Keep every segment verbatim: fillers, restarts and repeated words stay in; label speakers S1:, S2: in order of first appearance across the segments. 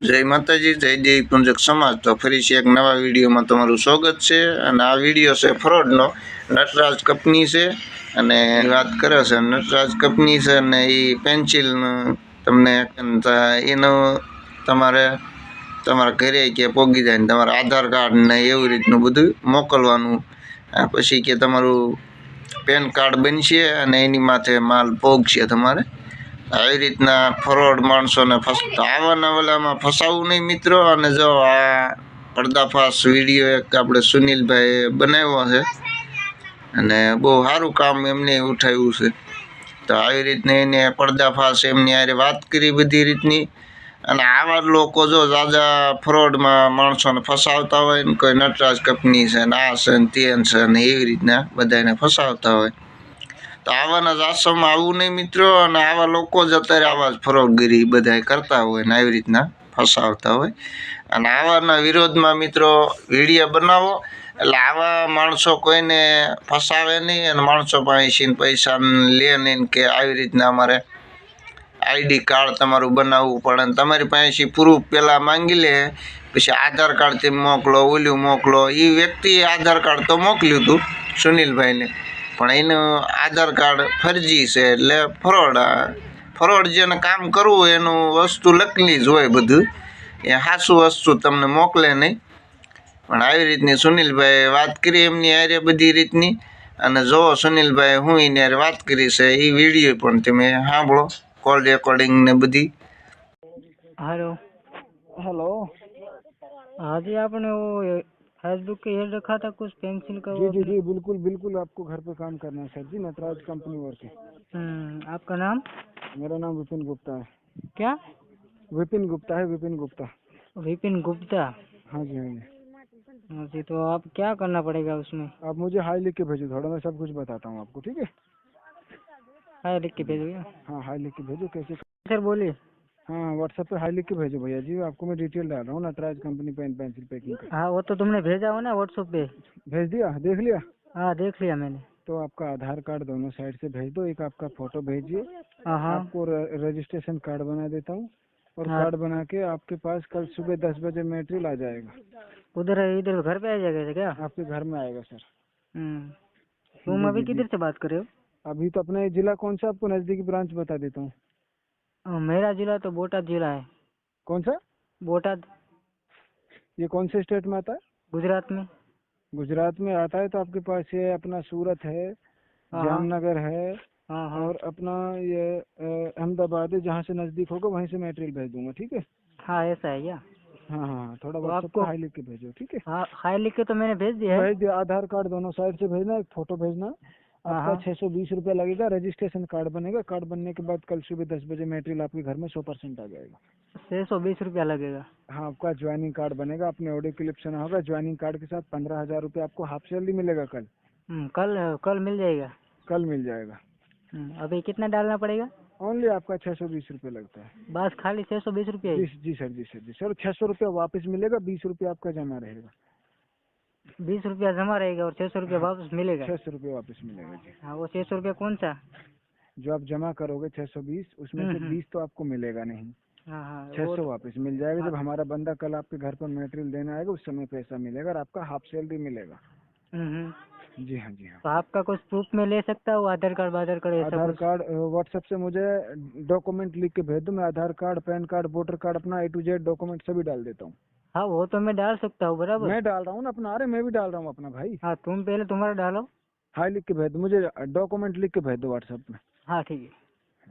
S1: जय माताजी, जय देवी पुंजक समाज। तो फरी से एक नवा विडियो में तमारू स्वागत है। आ विडियो से फ्रॉड नो नटराज कंपनी से अने बात करे छे नटराज कंपनी से ने ई पेन्सिल तमने एनो तमारे तमारा घरे के पोगी जाए तमारा आधार कार्ड ने एवी रीतनु बधु मोकलवानुं पछी के तमारू पेन कार्ड बनशे अने एनी माथे माल पोगशे तमारे આવી રીતના ફ્રોડ માણસોને આવાના ઓલામાં ફસાવું નહીં મિત્રો। અને જો આ પડદાફાશ વિડીયો એક આપણે સુનિલભાઈ બનાવ્યો છે અને બહુ સારું કામ એમને ઉઠાવ્યું છે। તો આવી રીતની એને પડદાફાશ એમની હારે વાત કરી બધી રીતની। અને આવા લોકો જો જાજા ફ્રોડમાં માણસોને ફસાવતા હોય ને કોઈ નટરાજ કંપની છે ને આ છે ને તે છે ને એવી રીતના બધાને ફસાવતા હોય। तो आवाना आश्रम आवू नहीं मित्रों। और आवा लोग ज अत्यारे आवा फरोडगिरी बधाय करता होय ने एवी रीतना फसावता होय। अने आवाना विरोध में मित्रों विडियो बनावो एटले आवा माणसो कोईने फसावे नहीं अने माणसो पासेथी पैसा ले नहीं के आई रीतना अमारे आईडी कार्ड तमारू बनावવું પડે અને તમારી પાસેથી પ્રૂફ પહેલાં માંગી લે પછી આધાર કાર્ડ તમે મોકલો ઓલું મોકલો। એ વ્યક્તિએ આધાર કાર્ડ તો મોકલ્યું હતું સુનિલભાઈને પણ એનું આધાર કાર્ડ ફરજી છે એટલે ફ્રોડ ફ્રોડ જેને કામ કરવું હોય એનું વસ્તુ લખેલી જ હોય બધું એ સાચું વસ્તુ તમને મોકલે નહીં। પણ આવી રીતની સુનિલભાઈ વાત કરી એમની હારે બધી રીતની અને જો સુનિલભાઈ હું એની હારે વાત કરી છે એ વિડીયો પણ તમે સાંભળો कॉल रिकॉर्डिंग ने बधी।
S2: Hello
S3: hello.
S2: हाँ जी, आपने वो फेसबुक के ये रखा था कुछ पेंसिल का।
S3: जी जी जी बिल्कुल बिल्कुल आपको घर पे काम करना है सर जी, नटराज कंपनी वर्क है।
S2: हम्म आपका नाम?
S3: मेरा नाम विपिन गुप्ता है।
S2: क्या?
S3: विपिन गुप्ता है, विपिन गुप्ता।
S2: विपिन गुप्ता?
S3: हाँ जी हाँ जी
S2: हाँ जी। तो आप क्या करना पड़ेगा उसमें?
S3: आप मुझे हाई लिख के भेजो, थोड़ा मैं सब कुछ बताता हूँ आपको, ठीक है?
S2: हाय लिख के भेजोगे?
S3: हाँ हाई लिख के भेजो। कैसे?
S2: सर बोलिए।
S3: हाँ व्हाट्सएप पे हाई लिख के भेजो भैया जी, आपको मैं डिटेल डाल रहा हूँ Nataraj company pen pencil packing का।
S2: हाँ वो तो तुमने भेजा हो ना व्हाट्सएप पे?
S3: भेज दिया, देख लिया?
S2: हाँ देख लिया मैंने।
S3: तो आपका आधार कार्ड दोनों साइड से भेज दो, एक आपका फोटो भेजिए।
S2: हाँ हाँ
S3: आपको रजिस्ट्रेशन कार्ड बना देता हूँ और
S2: हाँ।
S3: कार्ड बना के आपके पास कल सुबह दस बजे मटेरियल आ जाएगा।
S2: उधर इधर घर पे आ जाएगा क्या?
S3: आपके घर में आएगा सर।
S2: हम्म तुम अभी किधर से बात कर रहे हो?
S3: अभी तो अपना जिला कौन सा, आपको नजदीकी ब्रांच बता देता हूँ।
S2: हाँ, मेरा जिला तो बोटाद जिला है।
S3: कौन सा?
S2: बोटाद।
S3: ये कौन से स्टेट में आता है?
S2: गुजरात में।
S3: गुजरात में आता है तो आपके पास ये अपना सूरत है,
S2: हाँ
S3: जामनगर है
S2: हाँ हाँ
S3: और अपना ये अ, अहमदाबाद है। जहाँ से नजदीक होगा वहीं से मटेरियल भेज दूंगा, ठीक है?
S2: हाँ ऐसा है क्या?
S3: हाँ हाँ थोड़ा
S2: तो
S3: व्हाट्सएप
S2: आपको
S3: पे हाई लिख के भेजो, ठीक है?
S2: हाँ हाई लिख के तो मैंने भेज दिया है।
S3: भेज दिया। आधार कार्ड दोनों साइड से भेजना, एक फोटो भेजना।
S2: हाँ
S3: आपका
S2: हाँ
S3: छह सौ बीस रुपया लगेगा। रजिस्ट्रेशन कार्ड बनेगा, कार्ड बनने के बाद कल सुबह दस बजे मटेरियल आपके घर में सौ परसेंट आ जाएगा।
S2: छह सौ बीस रुपया लगेगा।
S3: हाँ आपका ज्वाइनिंग कार्ड बनेगा, आपने ऑडियो क्लिप सुना होगा। ज्वाइनिंग कार्ड के साथ पंद्रह हजार रूपए आपको हाफ सैलरी मिलेगा कल।
S2: हम्म कल कल मिल जाएगा।
S3: कल मिल जाएगा।
S2: हम्म अभी कितना डालना पड़ेगा?
S3: ओनली आपका छह सौ बीस रूपए लगता है।
S2: बस खाली छह सौ बीस रुपया
S3: जी
S2: ही?
S3: जी सर, जी सर, जी सर। छह सौ रूपया वापस मिलेगा, बीस रूपया आपका जमा रहेगा।
S2: बीस रुपया जमा रहेगा और छह सौ रुपया वापस मिलेगा?
S3: छह सौ रूपया वापस मिलेगा जी।
S2: हाँ वो छह सौ रुपया कौन सा?
S3: जो आप जमा करोगे छह सौ बीस, उसमें से
S2: हम्म,
S3: बीस तो आपको मिलेगा नहीं,
S2: हाँ हाँ
S3: छह
S2: वो
S3: सौ
S2: तो-
S3: वापस मिल जाएगा। जब हमारा बंदा कल आपके घर पर मटेरियल देने आएगा उस समय पैसा मिलेगा और आपका हाफ सैलरी मिलेगा।
S2: हम्म, हम्म।
S3: जी हाँ, जी हाँ।
S2: तो आपका कुछ प्रूफ में ले सकता हूँ? आधार कार्ड आधार कार्ड ऐसा
S3: आधार
S2: कुछ?
S3: कार्ड व्हाट्सएप से मुझे डॉक्यूमेंट लिख के भेज दो, मैं Aadhaar card, pan card, voter card, अपना ए टू जेड डॉक्यूमेंट सभी डाल देता हूँ।
S2: हाँ वो तो मैं डाल सकता हूँ बराबर।
S3: मैं डाल रहा हूँ ना अपना, अरे मैं भी डाल रहा हूँ अपना भाई।
S2: हाँ तुम पहले तुम्हारा डालो।
S3: हाई लिख के भेज दो, मुझे डॉक्यूमेंट लिख के भेज दो व्हाट्सएप में।
S2: हाँ ठीक है।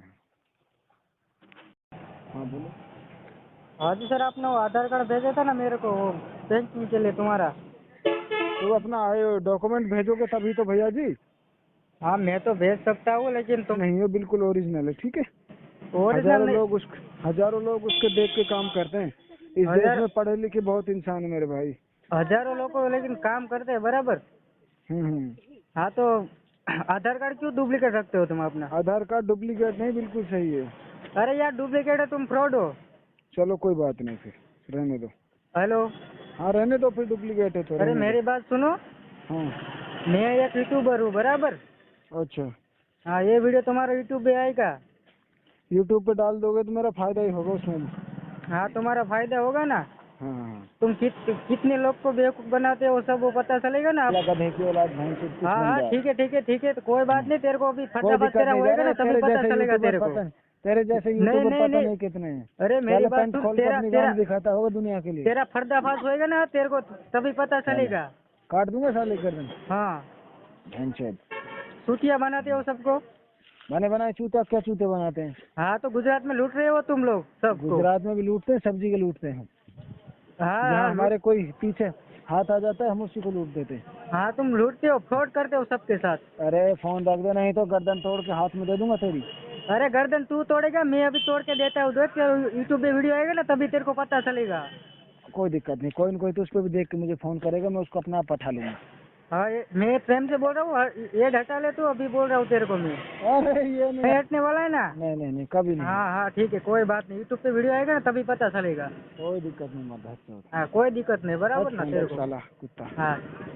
S3: हाँ बोलो।
S2: हाँ जी सर, आपने वो आधार कार्ड भेजा था ना मेरे को वो बैंकिंग के लिए तुम्हारा।
S3: तो अपना डॉक्यूमेंट भेजोगे तभी तो भैया जी।
S2: हाँ मैं तो भेज सकता हूँ लेकिन तुम
S3: नहीं, ये बिल्कुल ओरिजिनल है, ठीक है?
S2: ओरिजिनल
S3: हजारों
S2: नहीं।
S3: लोग उस हजारों लोग उसके देख के काम करते हैं। इस देश
S2: हजार-
S3: में पढ़े लिखे बहुत इंसान है मेरे भाई।
S2: हजारों लोग लेकिन काम करते हैं बराबर।
S3: हम्म हम्म।
S2: हाँ तो आधार कार्ड क्यों डुप्लीकेट रखते हो तुम अपना?
S3: आधार कार्ड डुप्लीकेट नहीं, बिल्कुल सही है।
S2: अरे यार डुप्लीकेट है, तुम फ्रॉड हो।
S3: चलो कोई बात नहीं, फिर रहने दो।
S2: हेलो।
S3: हाँ रहने दो, फिर डुप्लीकेट है तो
S2: अरे
S3: रहने
S2: मेरी बात सुनो।
S3: दो। हाँ
S2: मैं एक यूट्यूबर हूँ बराबर।
S3: अच्छा।
S2: हाँ ये वीडियो तुम्हारा यूट्यूब पे आएगा।
S3: यूट्यूब पे डाल दोगे तो मेरा फायदा ही होगा उसमें।
S2: हाँ तुम्हारा फायदा होगा ना।
S3: हाँ हाँ
S2: तुम कित, कितने लोग को बेवकूफ बनाते हो वो सब वो पता चलेगा ना।
S3: अल्लाह गधे की औलाद भैंस कुछ
S2: हाँ
S3: बन
S2: हाँ
S3: जाए।
S2: ठीक है ठीक है ठीक है, तो कोई बात नहीं, तेरे को अभी
S3: कोई
S2: फटाफट
S3: दिक्कत
S2: तेरा
S3: नहीं
S2: होएगा ना
S3: अरे
S2: तभी
S3: तेरे
S2: पता
S3: जैसे
S2: चलेगा
S3: यूट्यूबर
S2: तेरे को।
S3: पता तेरे जैसे
S2: नहीं
S3: यूट्यूबर
S2: नहीं
S3: पता
S2: नहीं,
S3: नहीं कितने हैं।
S2: अरे मेरी
S3: पहले
S2: बात
S3: पैंट
S2: सुन,
S3: खोल के
S2: तेरा
S3: अपनी
S2: तेरा
S3: गांड दिखाता होगा दुनिया के लिए।
S2: तेरा पर्दाफाश होएगा ना तेरे को तभी पता
S3: पहले
S2: चलेगा।
S3: काट दूंगा साले गर्दन
S2: हाँ
S3: भैंसोद।
S2: सूटिया बनाते हो सबको।
S3: बने बनाए चूता क्या चूते बनाते हैं।
S2: हाँ तो गुजरात में लूट रहे हो तुम लोग सबको।
S3: गुजरात में भी लूटते हैं सब्जी के लूटते हैं।
S2: हाँ
S3: जहाँ
S2: हाँ
S3: हमारे
S2: लूट,
S3: कोई पीछे हाथ आ जाता है हम उसी को लूट देते हैं।
S2: हाँ तुम लूटते हो, फ्रॉड करते हो सबके साथ।
S3: अरे फोन रख दे नहीं तो गर्दन तोड़ के हाथ में दे दूंगा तेरी।
S2: अरे गर्दन तू तोड़ेगा, मैं अभी तोड़ के देता हूँ, देख यूट्यूब पे वीडियो आएगा ना तभी तेरे को पता चलेगा।
S3: कोई दिक्कत नहीं कोई न कोई तो उस पर भी देख के मुझे फोन करेगा मैं उसको अपना आप पठा लूंगा।
S2: हाँ ये- मैं प्रेम से बोल रहा हूँ, ये हटा ले तू, अभी बोल रहा हूँ तेरे को मैं।
S3: अरे ये नहीं
S2: नहीं हटने वाला है ना।
S3: नहीं नहीं नहीं कभी नहीं।
S2: हाँ हाँ ठीक है कोई बात नहीं, यूट्यूब पे वीडियो आएगा ना तभी पता चलेगा।
S3: कोई दिक्कत नहीं मत हट
S2: हाँ कोई दिक्कत नहीं, बराबर ना तेरे को।
S3: साला कुत्ता।
S2: हाँ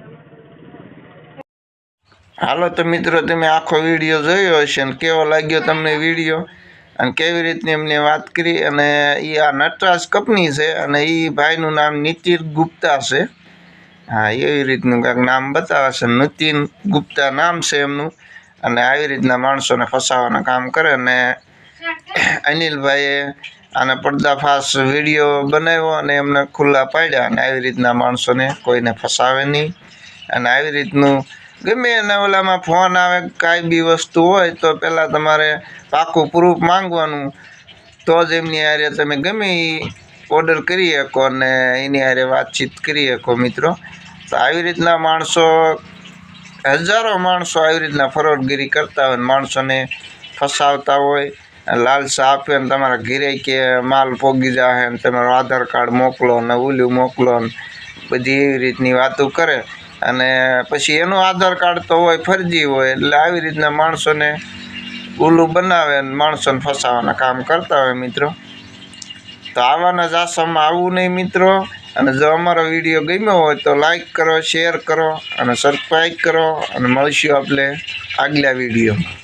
S1: હાલો તો મિત્રો તમે આખો વિડીયો જોયો હશે અને કેવો લાગ્યો તમને વિડીયો અને કેવી રીતની એમને વાત કરી અને એ આ નટરાજ કંપની છે અને એ ભાઈનું નામ નીતિન ગુપ્તા છે. હા એવી રીતનું કાંઈક નામ બતાવે છે, નીતિન ગુપ્તા નામ છે એમનું અને આવી રીતના માણસોને ફસાવાના કામ કરે અને અનિલભાઈએ આને પર્દાફાશ વિડીયો બનાવ્યો અને એમને ખુલ્લા પાડ્યા અને આવી રીતના માણસોને કોઈને ફસાવે નહીં અને આવી રીતનું ગમે એના ઓલામાં ફોન આવે કાંઈ બી વસ્તુ હોય તો પહેલાં તમારે પાકું પ્રૂફ માંગવાનું તો જ એમની હારે તમે ગમે એ ઓર્ડર કરી શકો અને એની હારે વાતચીત કરી શકો મિત્રો. તો આવી રીતના માણસો હજારો માણસો આવી રીતના ફરોડગીરી કરતા હોય ને માણસોને ફસાવતા હોય, લાલસા આપે ને તમારા ઘરે કે માલ પોગી જાય ને તમારું આધાર કાર્ડ મોકલો ને ઓલું મોકલો ને બધી એવી રીતની વાતો કરે અને પછી એનું આધાર કાર્ડ તો હોય ફરજી હોય એટલે આવી રીતના માણસોને ઉલ્લું બનાવે ને માણસોને ફસાવાના કામ કરતા હોય મિત્રો. તો આવાના જ આસામાં આવવું નહીં મિત્રો. અને જો અમારો વિડીયો ગમ્યો હોય તો લાઈક કરો, શેર કરો અને સબસ્ક્રાઈબ કરો અને મળીશું આપણે આગલા વિડીયોમાં.